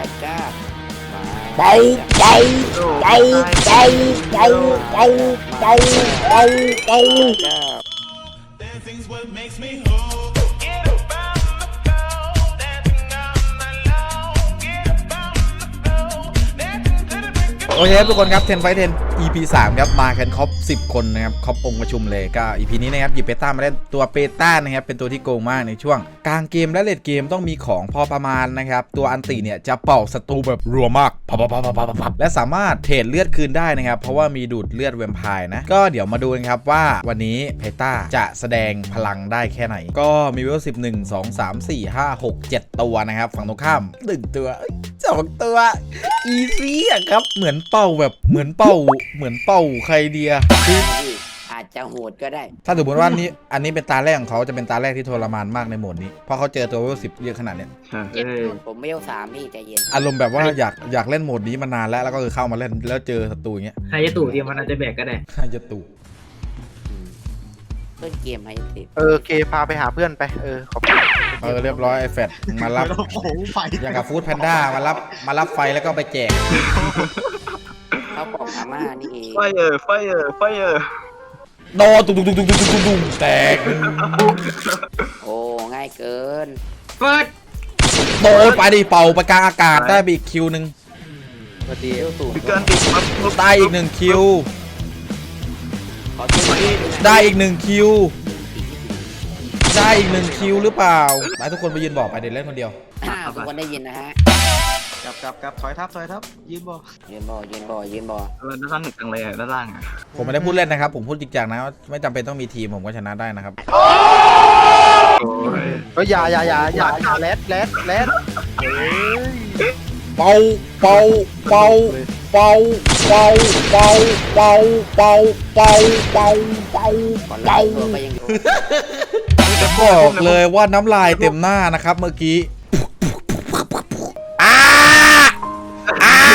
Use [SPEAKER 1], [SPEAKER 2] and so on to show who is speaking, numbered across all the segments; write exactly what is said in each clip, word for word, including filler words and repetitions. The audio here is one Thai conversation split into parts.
[SPEAKER 1] แล้วจ้า
[SPEAKER 2] ใจใจใจใจใจใจใจใจใจ
[SPEAKER 3] โอเคครับทุกคนครับเทนไฟเทน อี พี สามครับมากันครบสิบคนนะครับครบองค์ประชุมเลยก็ อี พี นี้นะครับหยิบเบต้ามาเล่นตัวเบต้านะครับเป็นตัวที่โกงมากในช่วงกลางเกมและเลดเกมต้องมีของพอประมาณนะครับตัวอันติเนี่ยจะเป่าศัตรูแบบรัวมากพับพับพับพับพับและสามารถเทรดเลือดคืนได้นะครับเพราะว่ามีดูดเลือดแวมไพร์นะก็เดี๋ยวมาดูกันครับว่าวันนี้เบต้าจะแสดงพลังได้แค่ไหนก็มีเวลสิบ หนึ่ง สอง สาม สี่ ห้า หก เจ็ดตัวนะครับฝั่งตรงข้ามหนึ่งตัวสองตัวอีซี่อะครับเหมือนเป่าแบบเหมือนเป่าเหมือนเป่าใครเดียคือ
[SPEAKER 1] อาจจะโหดก็ได้
[SPEAKER 3] ถ้าสมมติว่านี้อันนี้เป็นตาแรกของเขาจะเป็นตาแรกที่ทรมานมากในโหมดนี้เพราะเขาเจอตัวเวลสิบเยอะขนาดเนี้ย
[SPEAKER 1] ผมไม่เอาสามพี่ใจเย็น
[SPEAKER 3] อารมณ์แบบว่าอยากอยากเล่นโหมดนี้มานานแล้วแล้วก็คือเข้ามาเล่นแล้วเจอศัตรูอย่างเงี้ย
[SPEAKER 4] ใครจะตู่เดียวมันอาจจะแบกก็ได้
[SPEAKER 3] ใครจะตู่
[SPEAKER 1] ต้นเกมให้ติด
[SPEAKER 2] เออเคพาไปหาเพื่อนไปเออขอบคุณ
[SPEAKER 3] เออเรียบร้อยไอ้แฟดมารับอย่างกับฟู้ดแพนด้ามารับมารับไฟแล้วก็ไปแจก
[SPEAKER 1] เขาบอกอาม่านี่เอง
[SPEAKER 2] ไฟเออไฟเออไฟเออ
[SPEAKER 3] โดนตุ้งตุ้งตุ้งตุ้งตุ้งตุ้งแตก
[SPEAKER 1] โอ้ง่ายเกิน
[SPEAKER 4] เฟิร์ส
[SPEAKER 3] โดนไปดิเป่าไปกลางอากาศได้ไปอีกคิวหนึ่ง
[SPEAKER 1] พอดีสูง
[SPEAKER 2] เกินติด
[SPEAKER 3] ได้อีกหนึ่งคิวได้อีกหนึ่งคิวได้อีกหนึ่งคิวหรือเปล่าไปทุกคนไปยืนบอกไปเดี๋ยวเล่นคนเดียว
[SPEAKER 1] ทุกคนได้ยินนะฮะ
[SPEAKER 2] กลับกลับกลับถอยทับถอยทับยืนบ่
[SPEAKER 1] ยืนบ่ยืนบ่ยืนบ่
[SPEAKER 2] ด้านล่างหนึ่งจังเลยด้านล่างอ่ะ
[SPEAKER 3] ผมไม่ได้พูดเล่นนะครับผมพูดจริงจังนะไม่จำเป็นต้องมีทีมผมก็ชนะได้นะครับ
[SPEAKER 2] ก็อย่าอย่าอย่าอย่าอย่าแรดแรดแรด
[SPEAKER 3] เป่าเป่าเป่าเป่าเป่าเป่าเป่าเป่าเป่าเป่าเป่าเป่าจะบอกเลยว่าน้ำลายเต็มหน้านะครับเมื่อกี้อ้าอ้า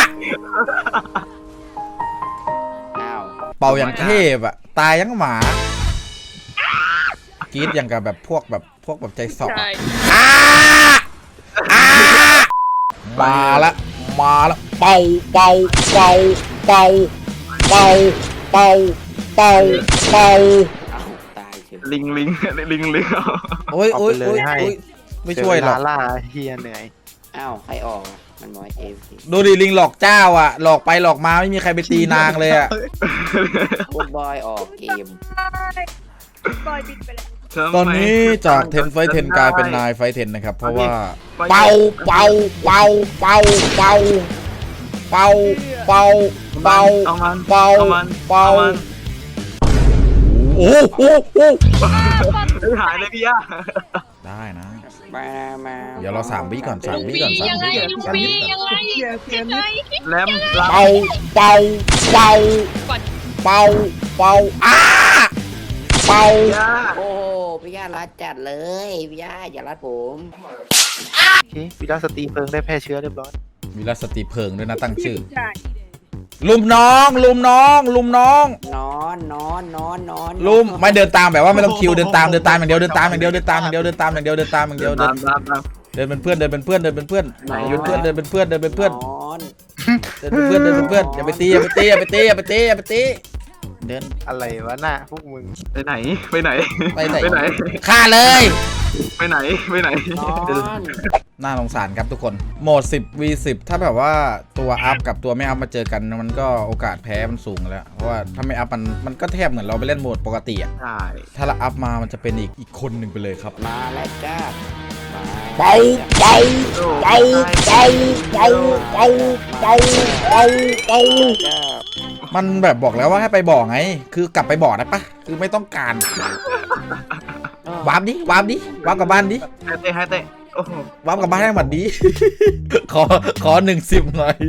[SPEAKER 3] เป่าอย่างเทพอะตายยังหมากรี๊ดอย่างกับแบบพวกแบบพวกแบบใจสอบอ้าอ้ามาละมาละเป่าเป่าเป่าเป่าเป่าเป่าเป่าเป่า
[SPEAKER 2] ลิงลิงลิงลิง
[SPEAKER 3] โอ้ยโอ้ยโอ้ยไม่ช่วยหรอก
[SPEAKER 2] ล่าเฮียเหนื่อย
[SPEAKER 1] อ้าวใครออกมันมอยเอฟ
[SPEAKER 3] ดูดิลิงหลอกเจ้าอ่ะหลอกไปหลอกมาไม่มีใครไปตีนางเลยอ่ะ
[SPEAKER 1] บอยบอยออกเกม
[SPEAKER 5] บอยบินไปแล้ว
[SPEAKER 3] ตอนนี้จากเทนไฟเทนกลายเป็นนายไฟเทนนะครับเพราะว่าเป่าเป่าเป่าเป่าเป่าเป่าเป่าเป่าเป่าเป่าโอ้โห
[SPEAKER 2] หายเลยพี่ย่า
[SPEAKER 3] ได้นะ
[SPEAKER 1] มามา
[SPEAKER 3] เดี๋ยวเราสามวิก่อนสามวิก่อนสามวิก่อนสามวิก่อน
[SPEAKER 2] แลม
[SPEAKER 3] เป่าเป่าเป่าเป่าเป่าอ้าเป่า
[SPEAKER 1] โอ้พี่ย่ารัดจัดเลยพี่ย่าอย่ารัดผม
[SPEAKER 2] โอเควิลาสตีเพิงได้แพร่เชื้อเรียบร้อย
[SPEAKER 3] วิลาสตีเพิงด้วยนะตั้งชื่อลุมน้องลุมน้องลุมน้อง
[SPEAKER 1] นอนนอนนอนนอน
[SPEAKER 3] ลุมไม่เดินตามแบบว่าไม่ต้องคิวเดินตามเดินตามอย่างเดียวเดินตามอย่างเดียวเดินตามอย่างเดียวเดินตามอย่างเดียวเดินตามอย่างเดียวเดินเดินเป็นเพื่อนเดินเป็นเพื่อนเดินเป็นเพื่อนไหนเพื่อนเดินเป็นเพื่อนเดินเป็นเพื่อนเดินเป็นเพื่อนเดินเป็นเพื่อนอย่าไปตีอย่าไปตีอย่าไปตีอย่าไปตีอย่าไปตีเดิน
[SPEAKER 2] อะไรวะหน้าพวกมึงไปไหนไปไหน
[SPEAKER 3] ไปไหน
[SPEAKER 2] ไปไหน
[SPEAKER 3] ฆ่าเลย
[SPEAKER 2] ไปไหนไปไหน
[SPEAKER 3] น่าสงสารครับทุกคนโหมด สิบ วี สิบ ถ้าแบบว่าตัวอัพกับตัวไม่อัพมาเจอกันมันก็โอกาสแพ้มันสูงแล้วเพราะว่าถ้าไม่อัพมันมันก็แทบเหมือนเราไปเล่นโหมดปกติอ่ะ
[SPEAKER 2] ใช่
[SPEAKER 3] ถ้าเราอัพมามันจะเป็นอีกอีกคนหนึ่งไปเลยครับ
[SPEAKER 1] มาแล้วจ้า
[SPEAKER 2] ใจใจใจใจใจใจใจใจใจ
[SPEAKER 3] มันแบบบอกแล้วว่าให้ไปบ่อไงคือกลับไปบ่อได้ปะคือไม่ต้องการวาร์ปดิวาร์ปดิวาร์ปกลับบ้านดิ
[SPEAKER 2] ให้เตะให้เตะ
[SPEAKER 3] วาร์ปกลับบ้านให้หมดดิขอขอหนึ่งสิบหน่อย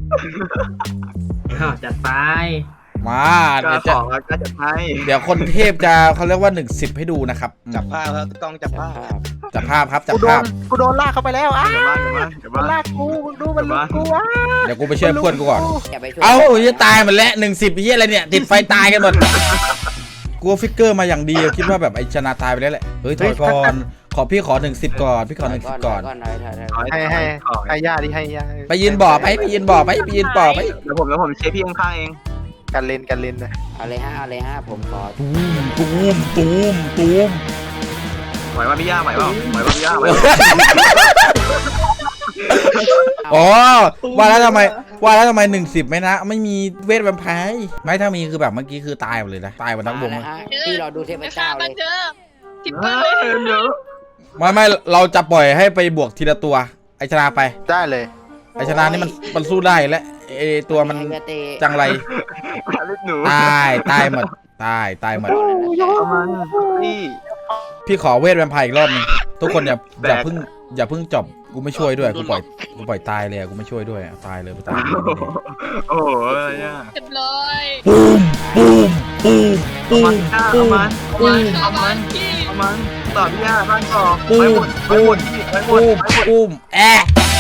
[SPEAKER 4] จัดไป
[SPEAKER 3] มา
[SPEAKER 2] เดี๋ยวจะจัดให้
[SPEAKER 3] เดี๋ยวคนเทพจะเขาเรียกว่าหนึ่งสิบให้ดูนะครับ
[SPEAKER 2] จับภาพครับต้องจับภาพ
[SPEAKER 3] จับภาพครับจับภาพ
[SPEAKER 2] กูโดนลากเข้าไปแล้วอ้ามันลากกูมึงดูมันลุกกูอ่ะ
[SPEAKER 3] เดี๋ยวกูไปช่วยเพื่อนกูก่อนเอ้าจะตายหมดแล้วหนึ่งสิบยี่อะไรเนี่ยติดไฟตายกันหมดกูฟิกเกอร์มาอย่างดีคิดว่าแบบไอชนะตายไปแล้วแหละเฮ้ยถอยก่อนขอพี่ขอหนึ่งสิบก่อนพี่ขอหนึ่งสิบก่อน
[SPEAKER 1] ก่อนหน่อยถอยถอย
[SPEAKER 2] ให้ให้ให้ย่าดิให้ย่า
[SPEAKER 3] ไปยืนบ่อไปไปยืนบ่อไปไปยืนบ่อไป
[SPEAKER 2] เดี๋ยวผมแล้วผมเชฟพี่ข้างๆเองกันเลนกันเลนนะ
[SPEAKER 1] เอาเลยฮะเอาเลยฮะผมขอ
[SPEAKER 3] ตูมตูมตูมตูม
[SPEAKER 2] ไหวป่ะพี่ย่าไหวป่ะไหวป่ะพี่ย่าไหว
[SPEAKER 3] อ๋อว่าแล้วทำไมว่าแล้วทำไมหนึ่งสิบไม่นะไม่มีเวทแวมไพร์ไม่ถ้ามีคือแบบเมื่อกี้คือตายหมดเลยนะตายหมดทั้งวง
[SPEAKER 1] มา
[SPEAKER 3] เลย
[SPEAKER 1] แล้วฮะพี่รอดูเทพเจ้าเลย
[SPEAKER 5] ทิป
[SPEAKER 2] เอ
[SPEAKER 5] เปอร์
[SPEAKER 2] อเดี๋ยว
[SPEAKER 3] ไม่ไม่เราจะปล่อยให้ไปบวกทีละตัวไอชนะไป
[SPEAKER 2] ได้เลย
[SPEAKER 3] ไอชนะนี่มันมันสู้ได้และไอตัวมันจังไร
[SPEAKER 2] ลูกหนู
[SPEAKER 3] ตายตายหมดตายตายหมด
[SPEAKER 2] เอามันพี่
[SPEAKER 3] พี่ขอเวทแวมไพร์อีกรอบหนึงทุกคนอย่า
[SPEAKER 2] แบก
[SPEAKER 3] อย่าเพิ่งอย่าเพิ่งจบกูไม่ช่วยด้วยกูปล่อยกูปล่อยตายเลยอะกูไม่ช่วยด้วยอะตายเลยกูตายเลย
[SPEAKER 2] โอ้โหอะไรอ่ะ
[SPEAKER 5] เรียบร้อย
[SPEAKER 3] ปูมปูมปูมปู
[SPEAKER 2] มัน
[SPEAKER 3] ม
[SPEAKER 2] เอา
[SPEAKER 3] ปูม
[SPEAKER 2] มันเอามัน
[SPEAKER 5] ชา
[SPEAKER 2] เอา
[SPEAKER 5] ว
[SPEAKER 2] มั
[SPEAKER 5] บ้าน นพี่
[SPEAKER 2] เอามันต่อพี่ย่าบ้านต่อ
[SPEAKER 3] ปู
[SPEAKER 2] ไปห
[SPEAKER 3] ม
[SPEAKER 2] มดไป
[SPEAKER 3] ปู
[SPEAKER 2] หม
[SPEAKER 3] ม
[SPEAKER 2] ดพี่ไปหม
[SPEAKER 3] ปู
[SPEAKER 2] ด
[SPEAKER 3] ม
[SPEAKER 2] ไปหมด
[SPEAKER 3] ปูมแอะ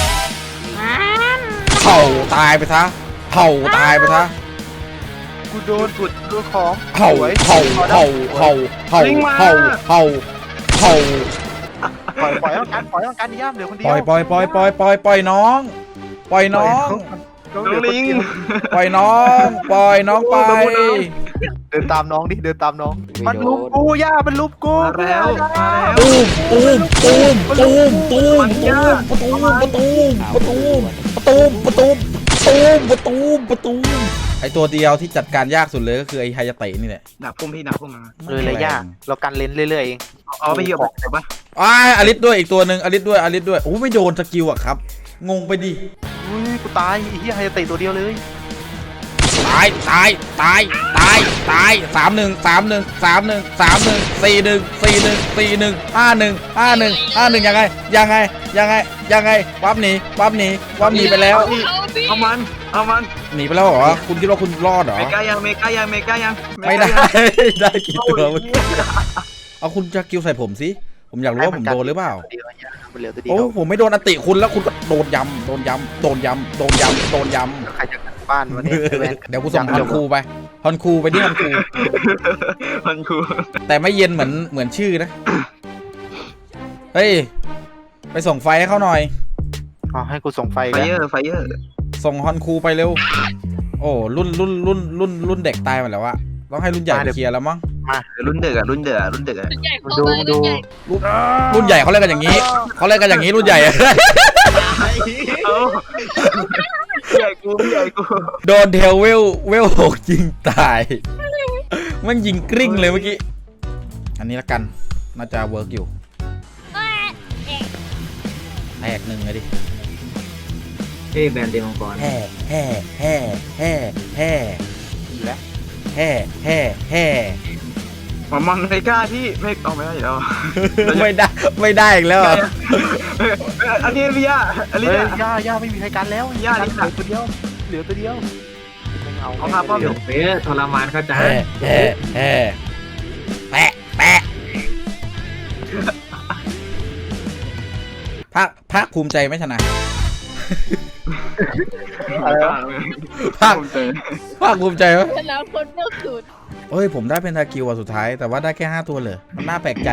[SPEAKER 3] เผาตายไปซะเผาตายไปซะ
[SPEAKER 2] กูโดนกุดดูของ
[SPEAKER 3] เผาเผาเผาเผาเผาเผาเผาเผา
[SPEAKER 2] ปล่อยปล่อยต้องการปล่อยต้องการย่ามเดี๋ยวคนเดี
[SPEAKER 3] ป
[SPEAKER 2] ยว
[SPEAKER 3] ล่อยปล่อยปล่อยปล่อยปล่อยปล่อยน้อง ปล่อยน้อง
[SPEAKER 2] น้องลิง
[SPEAKER 3] ปล่อยน้องปล่อยน้องไป
[SPEAKER 2] เดินตามน้องดิเดินตามน้องมันลุมกูย่ามันลุมกูมาแล้วมาแล้ว
[SPEAKER 3] ตูมตูมตูมตูมตูมตูมประตูประตูประตูประตูประตูประตูประตูประตูไอตัวเดียวที่จัดการยากสุดเลยก็คือไอไฮยาเตะนี่แหละ
[SPEAKER 2] ดักพุ่มพี่ดักพุ่มมา
[SPEAKER 6] เลยเลยย่าเรากันเลนเรื่อยๆเอง
[SPEAKER 2] เอาไปเหยียบบอกปะ
[SPEAKER 3] อ้าอลิสด้วยอีกตัวหนึ่งอลิสด้วยอลิสด้วยโอ้ไม่โดนสกิลอะครับงงไปดิ
[SPEAKER 2] อุ้ยกูตายไอ้เหี้ยไฮเตะตัวเดียวเลย
[SPEAKER 3] ตายตายตายตายตายสามหนึ่งสามหนึ่งสามหนึ่งสามหนึ่งสี่หนึ่งสี่หนึ่งสี่หนึ่งห้าหนึ่งห้าหนึ่งห้าหนึ่งยังไงยังไงยังไงยังไงปั๊บหนีปั๊บหนีปั๊บหนีไปแล้ว
[SPEAKER 5] เอาพี่
[SPEAKER 2] เอามันเอามัน
[SPEAKER 3] หนีไปแล้วเหรอคุณคิดว่าคุณรอดเหรอ
[SPEAKER 2] เมกายังเมกายังเมกายัง
[SPEAKER 3] ไม่ได้ ได้กี่ตัวเมื่อกี้เอาคุณจะกิวใส่ผมสิผมอยากรู้ว่าผมโดนหรือเปล่า
[SPEAKER 6] เดียวย่ามันเหลือตัวเดีย
[SPEAKER 3] โอ้
[SPEAKER 6] ว
[SPEAKER 3] ผมไม่โดนอติคุณแล้วคุณก็โดนยำโดนยำโดนยำโดนยำโดนย
[SPEAKER 6] ใครจะกลับบ้านวันนี้ไอ้แวน
[SPEAKER 3] ำเดี๋ยวกูส่งฮอนคูไปฮอนคูไปที่ฮอนคู
[SPEAKER 2] มันคู
[SPEAKER 3] แต่ไม่เย็นเหมือนเหมือนชื่อนะเฮ้ยไปส่งไฟให้เขาหน่อย
[SPEAKER 6] อ๋อให้กูส่งไฟ
[SPEAKER 2] ไฟ
[SPEAKER 6] กัน
[SPEAKER 2] เยอร์ไฟเยอร์
[SPEAKER 3] ส่งฮอนคูไปเร็วโอ้รุ่นรุ่นรุ่นรุ่นรุ่นเด็กตายหมดแล้วอะต้องให้รุ่นใหญ่ไปเคลียร์แล้วมั้ง
[SPEAKER 2] รุ่นเด็กอะรุ่นเด็กอะรุ่นเด็กอะ
[SPEAKER 5] รุ่นใหญ่เข้ามารุ่นใหญ่
[SPEAKER 3] รุ่นใหญ่เขาเล่นกันอย่างนี้เขาเล่นกันอย่างนี้รุ่นใหญ่
[SPEAKER 2] เอาใหญ่กูใหญ่กู
[SPEAKER 3] โดนเทลเวลเวลหกยิงตายมันยิงกริ้งเลยเมื่อกี้อันนี้ละกันน่าจะเวิร์กอยู่แตกหนึ่งเลยดิ
[SPEAKER 4] เอ้ยแบรนด์เดมังกร
[SPEAKER 3] แห่แห่แห่แห่แห่
[SPEAKER 6] อยู่แล้ว
[SPEAKER 3] แห่แห่แห่
[SPEAKER 2] มามันไม่กล้าที่ไม่เอาไม่ได้แล้ว
[SPEAKER 3] ไม่ได้ไม่ได้อีกแล้วเหรอ
[SPEAKER 2] อันนี้พี่ย่าอันนี้
[SPEAKER 6] เฮ้ยย่าย่าไม่มีใครกันแล้ว
[SPEAKER 2] ย่านี่
[SPEAKER 6] เหลือตัวเดียวเหลือตัวเดียวไม่เอา
[SPEAKER 2] เอามาป้อม
[SPEAKER 4] เดี๋ยวเป๊ะทรมานเข้าใจ
[SPEAKER 3] แห่แห่แห่แปะแปะภาคภาคภูมิใจไหมชนะ ภาค
[SPEAKER 2] ภูมิใจ
[SPEAKER 3] ภาคภูมิใจไหม
[SPEAKER 5] ชนะคนเมื่อคืน
[SPEAKER 3] เอ้ยผมได้เพนทาคิวอ่ะสุดท้ายแต่ว่าได้แค่ห้าตัวเลยมันน่าแปลกใจ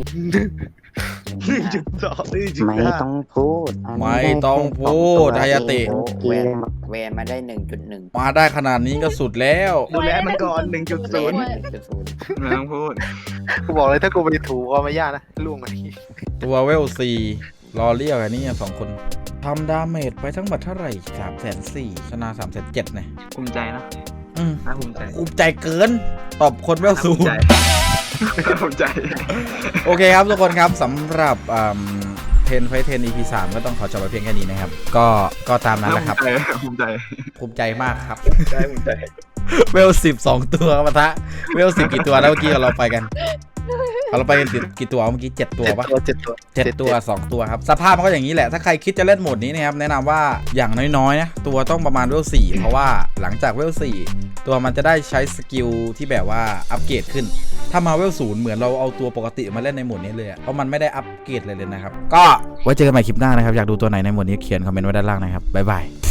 [SPEAKER 2] จุดสองนี่จุด
[SPEAKER 1] ไม่ต้องพูด
[SPEAKER 3] ไม่ต้องพูดไฮยาเตะ
[SPEAKER 1] แวนแวนมาได้หนึ่งจุดหนึ่ง
[SPEAKER 3] มาได้ขนาดนี้ก็สุดแล้ว
[SPEAKER 2] ดูแลมันก่อนหนึ่งจุดศูนย์
[SPEAKER 1] จุดศูนย์
[SPEAKER 2] ไม่ต้องพูด
[SPEAKER 6] กูบอกเลยถ้ากูไปถูก็ไม่ย่านะล่วงกันที
[SPEAKER 3] ตัวเวลสี่รอเรียกอันนี้สองคนทำดาเมจไปทั้งหมดเท่าไหร่สามแสนสี่ชนะสามแสนเจ็ดเนี่ย
[SPEAKER 2] ภูมิใจนะ
[SPEAKER 3] อืม
[SPEAKER 2] น่าภูมิใจ
[SPEAKER 3] ภูมิใจเกินตอบคนเวล
[SPEAKER 2] น่า
[SPEAKER 3] สู
[SPEAKER 2] ภู
[SPEAKER 3] ง
[SPEAKER 2] มิใจน่าภูมิใจ
[SPEAKER 3] โอเคครับทุกคนครับสำหรับเทนไฟเทน อี พี สามก็ต้องขอจบไปเพียงแค่นี้นะครับ ก็ก็ตามนั้นแหละครับ
[SPEAKER 2] ภูมิใจ
[SPEAKER 3] ภูมิใจมากครับ
[SPEAKER 2] ใจภูมิใจ
[SPEAKER 3] เวลสิบสองตัวมาทะเวลสิบกี่ตัวแล้วเมื่อกี้เราไปกันเราไปกันกี่ตัวเมื่อกี้เจ็ดตัวปะ
[SPEAKER 6] เจ็ดตัว
[SPEAKER 3] เจ็ดตัวสองตัวครับสภาพมันก็อย่างนี้แหละถ้าใครคิดจะเล่นโหมดนี้นะครับแนะนำว่าอย่างน้อยๆนะตัวต้องประมาณเวลสี่เพราะว่าหลังจากเวลสี่ตัวมันจะได้ใช้สกิลที่แบบว่าอัปเกรดขึ้นถ้ามาเวลศูนย์เหมือนเราเอาตัวปกติมาเล่นในโหมดนี้เลยเพราะมันไม่ได้อัปเกรดเลยเลยนะครับก็ไว้เจอกันใหม่คลิปหน้านะครับอยากดูตัวไหนในโหมดนี้เขียนคอมเมนต์ไว้ด้านล่างนะครับบ๊ายบาย